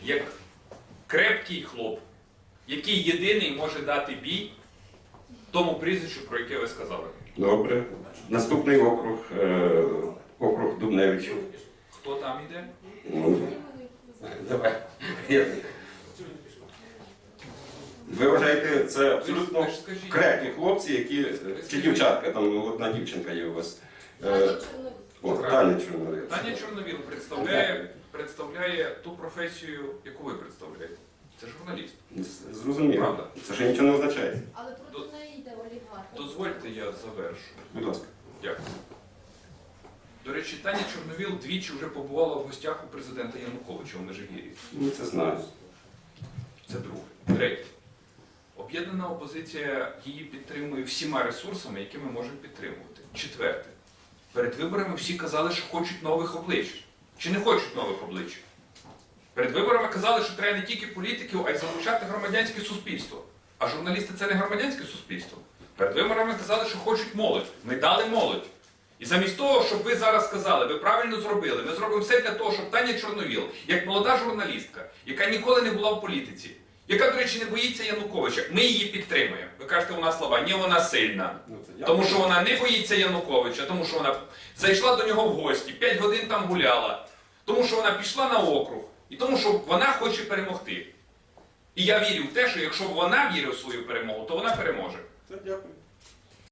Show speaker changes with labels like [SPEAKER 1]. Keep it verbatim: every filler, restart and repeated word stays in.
[SPEAKER 1] як крепкий хлоп, який єдиний може дати бій тому прізвищу, про яке ви сказали.
[SPEAKER 2] Добре. Наступний округ, е, округ Дубневичів.
[SPEAKER 1] Хто там іде?
[SPEAKER 2] Ну, давай. Ви вважаєте, це абсолютно
[SPEAKER 1] Ви ж скажіть.
[SPEAKER 2] крепкі хлопці, які... Чи дівчатка, там одна дівчинка є у вас. Е, О, Таня Чорновіл.
[SPEAKER 1] Таня Чорновіл представляє, представляє ту професію, яку ви представляєте. Це журналіст.
[SPEAKER 2] Зрозуміло.
[SPEAKER 1] Правда.
[SPEAKER 2] Це ще нічого не означає.
[SPEAKER 3] Але проти неї йде олігарх.
[SPEAKER 1] Дозвольте, я завершу.
[SPEAKER 2] Будь ласка.
[SPEAKER 1] Дякую. До речі, Таня Чорновіл двічі вже побувала в гостях у президента Януковича в Межигір'ї.
[SPEAKER 2] Ми це знаємо.
[SPEAKER 1] Це друге. Третє. Об'єднана опозиція її підтримує всіма ресурсами, які ми можемо підтримувати. Четверте. Перед виборами всі казали, що хочуть нових облич. Чи не хочуть нових облич? Перед виборами казали, що треба не тільки політиків, а й залучати громадянське суспільство. А журналісти – це не громадянське суспільство. Перед виборами казали, що хочуть молодь. Ми дали молодь. І замість того, щоб ви зараз сказали, ви правильно зробили, ми зробимо все для того, щоб Таня Чорновіл, як молода журналістка, яка ніколи не була в політиці, яка, до речі, не боїться Януковича, ми її підтримуємо. Ви кажете, вона слаба. Ні, вона сильна. Тому що вона не боїться Януковича, тому що вона зайшла до нього в гості, п'ять годин там гуляла, тому що вона пішла на округ, і тому що вона хоче перемогти. І я вірю в те, що якщо вона вірить в свою перемогу, то вона переможе.
[SPEAKER 2] Це дякую.